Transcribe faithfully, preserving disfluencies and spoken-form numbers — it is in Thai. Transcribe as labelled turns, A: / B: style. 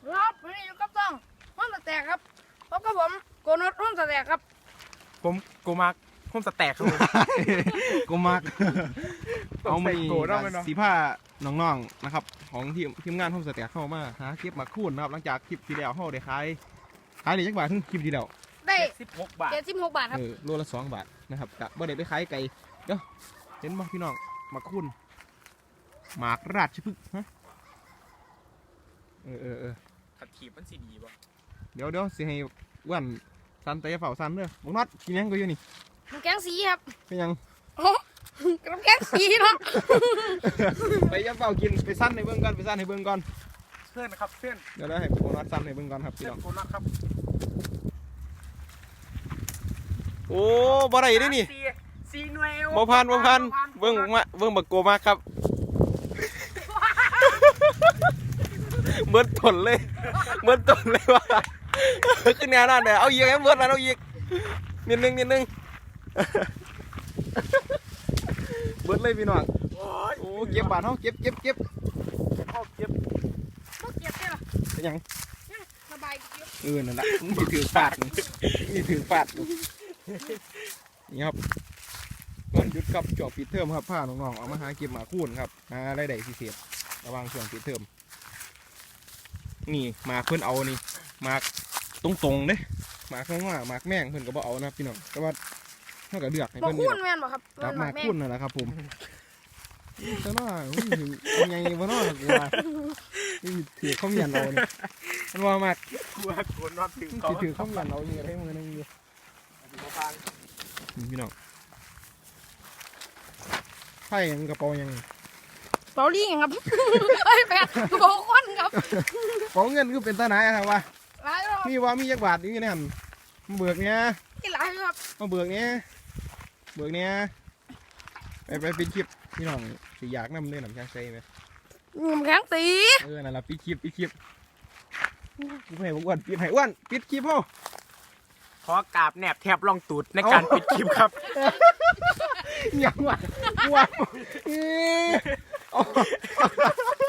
A: ครับวันนี้อยู่กับต้องห้องสแต็กครับพบกับผมโกนดห้องสแต็กครับ
B: ผมกูมักผมสแต็กครับผม
C: กูมักเอามา
B: โกรธเอาไหมเนาะ
C: สีผ้าน้องๆนะครับของทีมทีมงานโฮมสเตย์เข้ามาหาคลิปมาคูนนะครับหลังจากคลิปที่แล้วเขาได้ขายขายได้จักบาทถึงคลิปที่แล้ว
A: ได้
B: สิบหกบาท
A: เจ็ดสิบหกบาทครับ
C: เออโลละสองบาทนะครับกะบ่ได้ไปขายไก่เดี๋ยวเห็นบ่พี่น้องมาคูนหมากราชพฤกษ์ฮะเออเออเออ
B: ขัดขีบมันสีดีป่ะ
C: เดี๋ยวเดี๋ยวสิให้อ้วนซันเตะเฝ้าซันเด้อบุกนัดกินยังก็อยู่นี่
A: น้ำแกงสีครับ
C: เป็นยัง
A: โอ้น้ำแกงสีเนาะ
C: ไปยับเฝ้ากินไปซันให้เบิ่งก่อนไปซันให้เบิ่งก่อน
B: เพื่อนครับเพื่อน
C: เดี๋ยวเราให้บุกนัดซันให้เบิ่งก่อนครับพี่
B: เพื่อ
C: น้
B: น
C: อง
B: กูนักครับ
C: โอ้บ่ได้เด้นี่
B: ซีซีหน่วย
C: บ่พันบ่พันเบิ่งมาเบิ่งบักโกมากครับ เบิดต้นเลยเบิดต้นเลยว่าขึ้นแนวนั่นเด้อเอาอีกให้เบิดแล้วเอาอีกนิดนึงนิดนึงเบิดเลยพี่น้อง
B: โอ้ย
C: โอ้เก็บบาทเฮาเก็บเก็บเก็บ
B: เอาเก็บ
A: บ่เก็บได้หรอ
C: เป็นหยัง
A: สบายเก็บ
C: เออนั่นล่ะมึงสิถือฟาดนี่ถือฟาดนี่ครับวันหยุดครับจบปิดเทอมครับพาน้องๆเอามาหาเก็บหมาคูนครับหารายได้พิเศษระหว่างช่วงปิดเทอมนี่หมากเพิ่นเอานี่หมากตรงๆเด้หมากข้างว่าหมากแม่งเพิ่นก็บ่เอานะพี่น้องแต่ว่าเท่ากับเลือกให้
A: บ่
C: เพิ่น
A: คู
C: นี่
A: นแม่นบ่ครับ
C: จับหมาก
A: แม่
C: คูนนั่นแหละครับผมแต่ว่าอุ้ยยังไงบ่เนาะกูว่านี่ถือข้าวเหนียวเอานี่มันว่ามาก
B: กูว่ากูนอนถึง
C: สิ
B: เขา
C: ถือข้าวเหนียวเอาอยู่ให้มือนึงอยู่
B: ฟัง
C: นี่พี่น้องไพ่ยังกระเป๋ายัง
A: เปาลี่ครับเอ้ยแปดบ่ควันครับ
C: กระเป๋าเงินคือเป็นตาไหนอะครับวะ
A: หลายครับ
C: มีว่ามีจักบาทอยู่ในหันมาเบิกเนี้ย
A: ที่หลายครับ
C: มาเบิกเนี้ยเบิกเนี้ยไปไปปิดคลิปพี่น้องสิอยากนำเนื้อหนังช้างใส่ไหม
A: น้ำแข็งสี
C: เออนั่นละปิดคลิปปิดคลิปกูให้อ้วนปิดให้อ้วนปิดคลิปพ่อ
B: ขอกราบแนบแทบลองตูดในการปิดคลิปครับ
C: ยังวะอ้วนเอ้ย